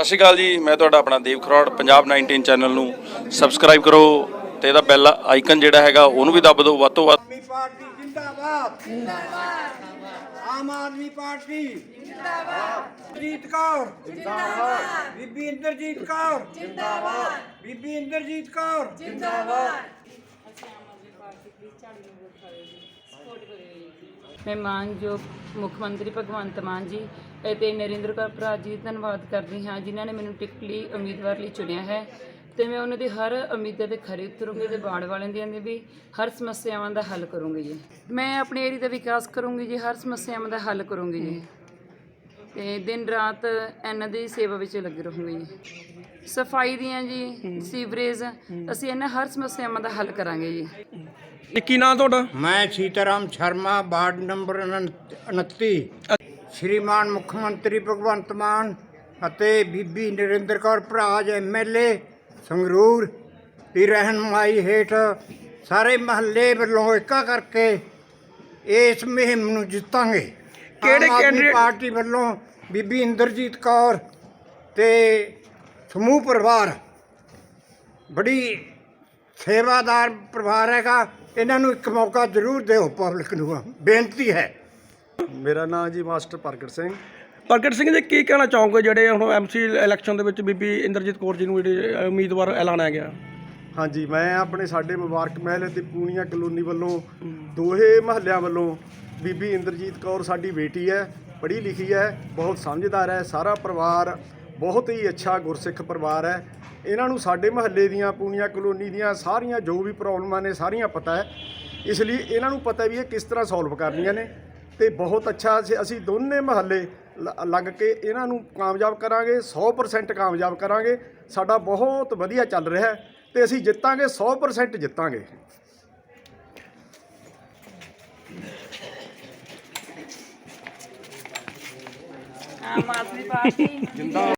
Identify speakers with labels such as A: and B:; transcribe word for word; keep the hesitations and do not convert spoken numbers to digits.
A: ਸਤਿ ਸ਼੍ਰੀ ਅਕਾਲ ਜੀ, ਮੈਂ ਤੁਹਾਡਾ ਆਪਣਾ ਦੇਵ ਖਰੋੜ। ਪੰਜਾਬ ਨਾਈਨਟੀਨ ਚੈਨਲ ਨੂੰ ਸਬਸਕ੍ਰਾਈਬ ਕਰੋ ਤੇ ਇਹਦਾ ਬੈਲ ਆਈਕਨ ਜਿਹੜਾ ਹੈਗਾ ਉਹਨੂੰ ਵੀ ਦੱਬ ਦਿਓ ਵੱਧ ਤੋਂ ਵੱਧ।
B: ਆਦਮੀ ਪਾਰਟੀ ਜਿੰਦਾਬਾਦ ਜਿੰਦਾਬਾਦ। ਆਮ ਆਦਮੀ ਪਾਰਟੀ ਜਿੰਦਾਬਾਦ। ਜੀਤ ਕੌਰ ਜਿੰਦਾਬਾਦ। ਬੀਬੀ ਇੰਦਰਜੀਤ ਕੌਰ ਜਿੰਦਾਬਾਦ। ਬੀਬੀ ਇੰਦਰਜੀਤ ਕੌਰ ਜਿੰਦਾਬਾਦ।
C: मैं मानयोग मुख मंत्री भगवंत मान जी ਅਤੇ ਨਰਿੰਦਰ ਕੌਰ ਭਰਾ ਜੀ ਧੰਨਵਾਦ ਕਰਦੀ ਹਾਂ ਜਿਨ੍ਹਾਂ ਨੇ ਮੈਨੂੰ ਟਿਕਟ ਲਈ ਉਮੀਦਵਾਰ ਲਈ ਚੁਣਿਆ ਹੈ ਤੇ ਮੈਂ ਉਹਨਾਂ ਦੀ ਹਰ ਉਮੀਦਾਂ ਤੇ ਖਰੀ ਉਤਰੂੰਗੀ ਤੇ ਬਾੜ ਵਾਲਿਆਂ ਦੀਆਂ ਵੀ ਹਰ ਸਮੱਸਿਆਵਾਂ ਦਾ ਹੱਲ ਕਰੂੰਗੀ ਜੀ। ਮੈਂ ਆਪਣੇ ਏਰੀਆ ਦਾ ਵਿਕਾਸ ਕਰੂੰਗੀ ਜੀ, ਹਰ ਸਮੱਸਿਆਵਾਂ ਦਾ ਹੱਲ ਕਰੂੰਗੀ ਜੀ ਤੇ ਦਿਨ ਰਾਤ ਇਹਨਾਂ ਦੀ ਸੇਵਾ ਵਿੱਚ ਲੱਗੇ ਰਹੂੰਗੀ ਜੀ। ਸਫਾਈ ਦੀਆਂ ਜੀ, ਸੀਵਰੇਜ, ਅਸੀਂ ਇਹਨਾਂ ਹਰ ਸਮੱਸਿਆਵਾਂ ਦਾ ਹੱਲ ਕਰਾਂਗੇ ਜੀ।
D: ਕੀ ਨਾਂ ਤੁਹਾਡਾ?
B: ਮੈਂ ਸੀਤਾਰਾਮ ਸ਼ਰਮਾ, ਵਾਰਡ ਨੰਬਰ ਉਨੱਤੀ। ਸ਼੍ਰੀਮਾਨ ਮੁੱਖ ਮੰਤਰੀ ਭਗਵੰਤ ਮਾਨ ਅਤੇ ਬੀਬੀ Narinder Kaur Bharaj M L A Sangrur ਦੀ ਰਹਿਨਮਾਈ ਹੇਠ ਸਾਰੇ ਮਹੱਲੇ ਵੱਲੋਂ ਇੱਕਾ ਕਰਕੇ ਇਸ ਮੁਹਿੰਮ ਨੂੰ ਜਿੱਤਾਂਗੇ।
D: ਕਿਹੜੇ ਕੈਂਡੀਡੇਟ?
B: ਪਾਰਟੀ ਵੱਲੋਂ ਬੀਬੀ ਇੰਦਰਜੀਤ ਕੌਰ ਤੇ ਸਮੂਹ ਪਰਿਵਾਰ ਬੜੀ ਸੇਵਾਦਾਰ ਪਰਿਵਾਰ ਹੈਗਾ। ਇਹਨਾਂ ਨੂੰ ਇੱਕ ਮੌਕਾ ਜ਼ਰੂਰ ਦਿਓ, ਪਬਲਿਕ ਨੂੰ ਬੇਨਤੀ ਹੈ।
E: ਮੇਰਾ ਨਾਮ ਜੀ ਮਾਸਟਰ ਪ੍ਰਗਟ ਸਿੰਘ।
D: ਪ੍ਰਗਟ ਸਿੰਘ ਜੀ, ਕੀ ਕਹਿਣਾ ਚਾਹੋਗੇ ਜਿਹੜੇ ਹੁਣ ਐਮਸੀ ਇਲੈਕਸ਼ਨ ਦੇ ਵਿੱਚ ਬੀਬੀ ਇੰਦਰਜੀਤ ਕੌਰ ਜੀ ਨੂੰ ਜਿਹੜੇ ਉਮੀਦਵਾਰ ਐਲਾਨਿਆ ਗਿਆ?
E: ਹਾਂਜੀ, ਮੈਂ ਆਪਣੇ ਸਾਡੇ ਮੁਬਾਰਕ ਮਹਿਲ ਤੇ ਪੂਣੀਆਂ ਕਲੋਨੀ ਵੱਲੋਂ ਦੋਹੇ ਮਹੱਲਿਆਂ ਵੱਲੋਂ ਬੀਬੀ ਇੰਦਰਜੀਤ ਕੌਰ ਸਾਡੀ ਬੇਟੀ ਹੈ, ਪੜ੍ਹੀ ਲਿਖੀ ਹੈ, ਬਹੁਤ ਸਮਝਦਾਰ ਹੈ। ਸਾਰਾ ਪਰਿਵਾਰ ਬਹੁਤ ਹੀ ਅੱਛਾ ਗੁਰਸਿੱਖ ਪਰਿਵਾਰ ਹੈ। ਇਹਨਾਂ ਨੂੰ ਸਾਡੇ ਮਹੱਲੇ ਦੀਆਂ ਪੂਣੀਆਂ ਕਲੋਨੀ ਦੀਆਂ ਸਾਰੀਆਂ ਜੋ ਵੀ ਪ੍ਰੋਬਲਮਾਂ ਨੇ ਸਾਰੀਆਂ ਪਤਾ ਹੈ, ਇਸ ਲਈ ਇਹਨਾਂ ਨੂੰ ਪਤਾ ਵੀ ਇਹ ਕਿਸ ਤਰ੍ਹਾਂ ਸੋਲਵ ਕਰਨੀਆਂ ਨੇ ਤੇ ਬਹੁਤ ਅੱਛਾ ਅਸੀਂ ਦੋਨੇ ਮਹੱਲੇ ਲੱਗ ਕੇ ਇਹਨਾਂ ਨੂੰ ਕਾਮਯਾਬ ਕਰਾਂਗੇ। ਸੌ ਪਰਸੈਂਟ ਕਾਮਯਾਬ ਕਰਾਂਗੇ। ਸਾਡਾ ਬਹੁਤ ਵਧੀਆ ਚੱਲ ਰਿਹਾ ਹੈ ਤੇ ਅਸੀਂ ਜਿੱਤਾਂਗੇ, ਸੌ ਪਰਸੈਂਟ ਜਿੱਤਾਂਗੇ।
C: ਆਮ ਆਦਮੀ ਪਾਰਟੀ ਜਿੰਦਾਬਾਦ।